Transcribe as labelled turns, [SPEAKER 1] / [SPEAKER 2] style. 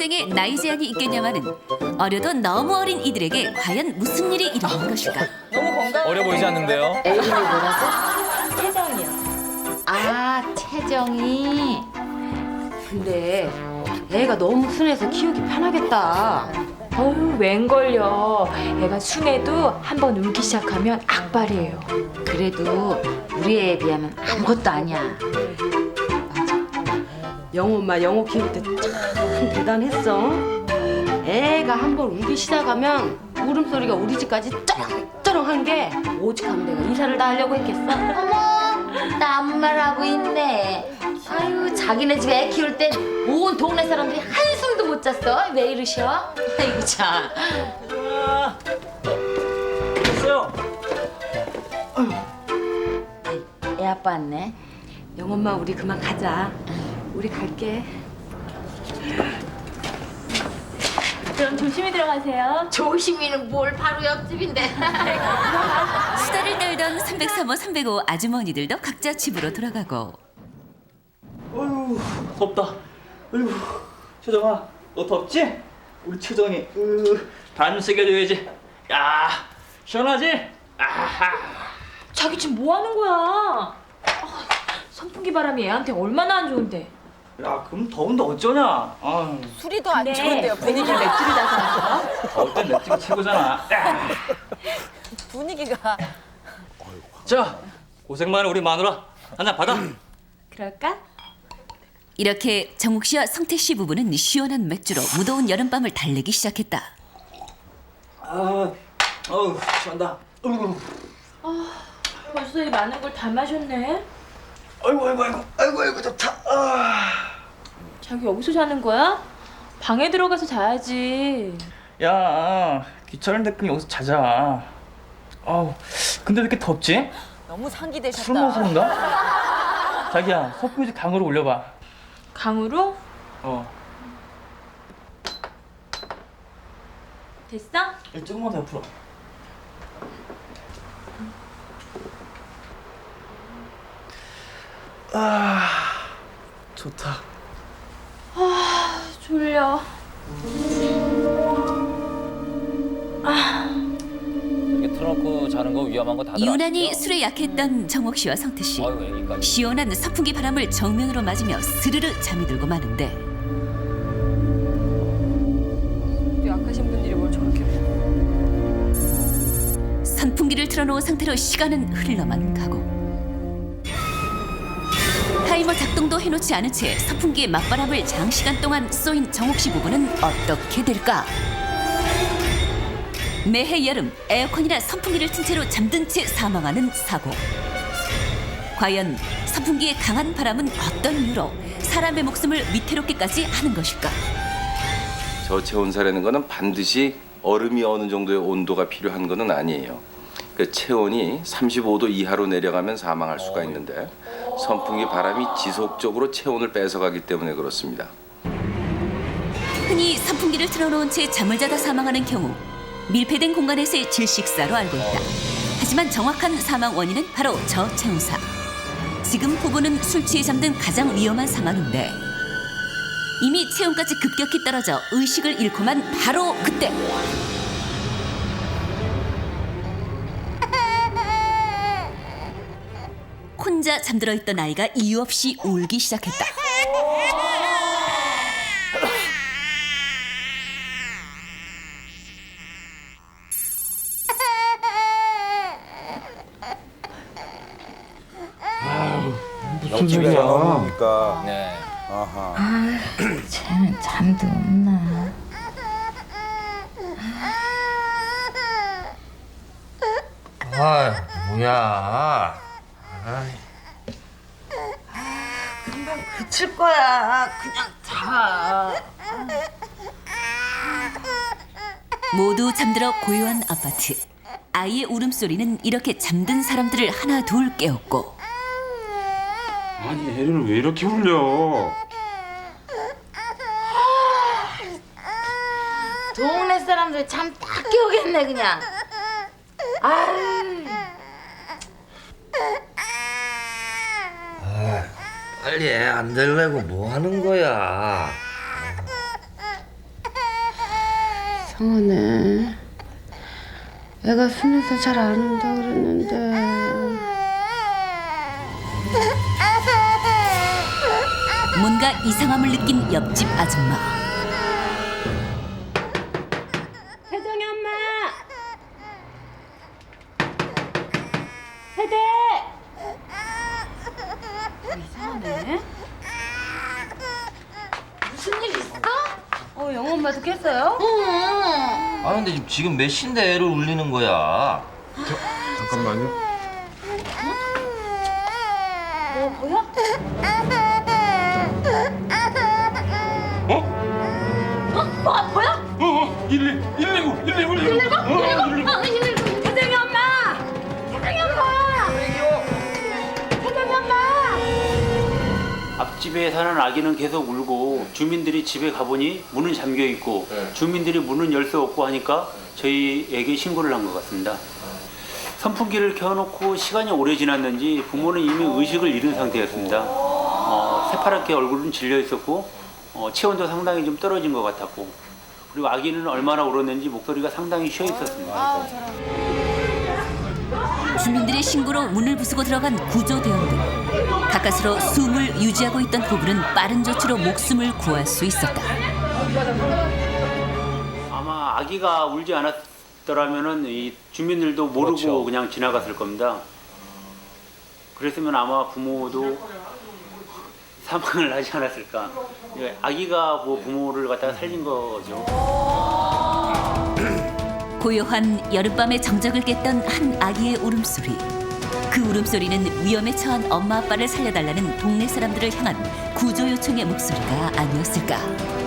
[SPEAKER 1] 일생에 나이 제한이 있겠냐마는 어려도 너무 어린 이들에게 과연 무슨 일이 일어난 것일까?
[SPEAKER 2] 어려 보이지 않는데요?
[SPEAKER 3] 애인이 뭐라고? 채정이요. 아, 채정이. 근데 애가 너무 순해서 키우기 편하겠다.
[SPEAKER 4] 어휴, 웬걸요. 애가 순해도 한번 울기 시작하면 악발이에요.
[SPEAKER 3] 그래도 우리 애에 비하면 아무것도 아니야.
[SPEAKER 5] 영호 엄마 영호 키울 때 참 대단했어. 애가 한번 울기 시작하면 울음소리가 우리 집까지 쩌렁쩌렁한 게 오죽하면 내가 이사를 다 하려고 했겠어.
[SPEAKER 3] 어머, 딴말하고 있네. 아유, 자기네 집 애 키울 땐 온 동네 사람들이 한숨도 못 잤어. 왜 이러셔? 아이고 참.
[SPEAKER 2] 됐어요.
[SPEAKER 3] 애 아빠 왔네.
[SPEAKER 5] 영호 엄마 우리 그만 가자. 우리 갈게.
[SPEAKER 4] 그럼 조심히 들어가세요.
[SPEAKER 3] 조심히는 뭘 바로 옆집인데.
[SPEAKER 1] 수다를 떨던 303호, 305 아주머니들도 각자 집으로 돌아가고
[SPEAKER 2] 어휴, 덥다. 어휴, 최정아, 너 덥지? 우리 최정이, 반 새겨줘야지. 야, 시원하지? 아하.
[SPEAKER 4] 자기 지금 뭐 하는 거야? 선풍기 바람이 애한테 얼마나 안 좋은데.
[SPEAKER 2] 야, 그럼 더운데 어쩌냐? 아유,
[SPEAKER 6] 술이 더 안
[SPEAKER 4] 네,
[SPEAKER 6] 좋은데요.
[SPEAKER 4] 분위기를 맥주를 다서.
[SPEAKER 2] 더울 땐 맷집이 최고잖아. 야.
[SPEAKER 6] 분위기가.
[SPEAKER 2] 자, 고생 많은 우리 마누라 한잔 받아.
[SPEAKER 4] 그럴까?
[SPEAKER 1] 이렇게 정욱 씨와 성태 씨 부부는 시원한 맥주로 무더운 여름밤을 달래기 시작했다.
[SPEAKER 2] 어우, 시원다. 어이구,
[SPEAKER 4] 벌써 이 많은 걸 다 마셨네.
[SPEAKER 2] 아이고, 좋다.
[SPEAKER 4] 자기 여기서 자는 거야? 방에 들어가서 자야지.
[SPEAKER 2] 야, 귀찮은데 그냥 여기서 자자. 아우, 근데 왜 이렇게 덥지?
[SPEAKER 6] 너무
[SPEAKER 2] 술
[SPEAKER 6] 상기되셨다.
[SPEAKER 2] 먹어서 그런가? 자기야, 석고지 강으로 올려봐.
[SPEAKER 4] 강으로? 됐어?
[SPEAKER 2] 조금만 더 옆으로. 좋다.
[SPEAKER 4] 졸려.
[SPEAKER 7] 이렇게 틀어놓고 자는 거 위험한 거 다들
[SPEAKER 1] 유난히
[SPEAKER 7] 아시죠?
[SPEAKER 1] 술에 약했던 정욱 씨와 성태 씨.
[SPEAKER 7] 아이고 애기까지.
[SPEAKER 1] 시원한 선풍기 바람을 정면으로 맞으며 스르르 잠이 들고 마는데
[SPEAKER 6] 약하신 분들이 뭘 저렇게.
[SPEAKER 1] 선풍기를 틀어놓은 상태로 시간은 흘러만 가고 타이머 작동도 해놓지 않은 채 선풍기의 맞바람을 장시간 동안 쏘인 정욱 씨 부부는 어떻게 될까? 매해 여름 에어컨이나 선풍기를 튼 채로 잠든 채 사망하는 사고. 과연 선풍기의 강한 바람은 어떤 이유로 사람의 목숨을 위태롭게까지 하는 것일까?
[SPEAKER 8] 저체온사라는 거는 반드시 얼음이 어느 정도의 온도가 필요한 거는 아니에요. 그 체온이 35도 이하로 내려가면 사망할 수가 있는데 선풍기 바람이 지속적으로 체온을 뺏어가기 때문에 그렇습니다.
[SPEAKER 1] 흔히 선풍기를 틀어놓은 채 잠을 자다 사망하는 경우 밀폐된 공간에서의 질식사로 알고 있다. 하지만 정확한 사망 원인은 바로 저체온사. 지금 부부는 술 취해 잠든 가장 위험한 상황인데 이미 체온까지 급격히 떨어져 의식을 잃고만 바로 그때 혼자 잠들어 있던 아이가 이유 없이 울기 시작했다.
[SPEAKER 9] 무슨 소리야? 그러니까.
[SPEAKER 7] 네.
[SPEAKER 9] 아하.
[SPEAKER 3] 쟤는 잠도 없나?
[SPEAKER 9] 아, 뭐야?
[SPEAKER 5] 금방 그칠 거야. 그냥 자.
[SPEAKER 1] 모두 잠들어 고요한 아파트. 아이의 울음소리는 이렇게 잠든 사람들을 하나 둘 깨웠고
[SPEAKER 9] 아니, 애를 왜 이렇게 울려?
[SPEAKER 3] 동네 사람들 잠 딱 깨우겠네 그냥. 아유.
[SPEAKER 10] 빨리 애 안 데리려고 뭐 하는 거야?
[SPEAKER 5] 이상하네. 애가 순해서 잘 안 온다 그랬는데.
[SPEAKER 1] 뭔가 이상함을 느낀 옆집 아줌마.
[SPEAKER 5] 세정이 엄마. 세대. 이상하네.
[SPEAKER 3] 무슨 일 있어?
[SPEAKER 5] 영어 엄마도 깼어요?
[SPEAKER 7] 아 근데 지금 몇 시인데 애를 울리는 거야?
[SPEAKER 9] 잠깐만요.
[SPEAKER 3] 뭐야?
[SPEAKER 9] 119.
[SPEAKER 3] 세정이 엄마! 세정이 엄마! 세정이 엄마!
[SPEAKER 10] 앞집에 사는 아기는 계속 울고 주민들이 집에 가보니 문은 잠겨 있고 주민들이 문은 열 수 없고 하니까 저희에게 신고를 한 것 같습니다. 선풍기를 켜놓고 시간이 오래 지났는지 부모는 이미 의식을 잃은 상태였습니다. 새파랗게 얼굴은 질려 있었고 체온도 상당히 좀 떨어진 것 같았고 그리고 아기는 얼마나 울었는지 목소리가 상당히 쉬어 있었습니다.
[SPEAKER 1] 주민들의 신고로 문을 부수고 들어간 구조대원들. 가까스로 숨을 유지하고 있던 부부는 빠른 조치로 목숨을 구할 수 있었다.
[SPEAKER 10] 아마 아기가 울지 않았더라면은 이 주민들도 모르고
[SPEAKER 7] 그렇죠.
[SPEAKER 10] 그냥 지나갔을 겁니다. 그랬으면 아마 부모도 사망을 하지 않았을까. 아기가 뭐 부모를 갖다가 살린 거죠.
[SPEAKER 1] 고요한 여름밤의 정적을 깼던 한 아기의 울음소리. 그 울음소리는 위험에 처한 엄마 아빠를 살려달라는 동네 사람들을 향한 구조 요청의 목소리가 아니었을까.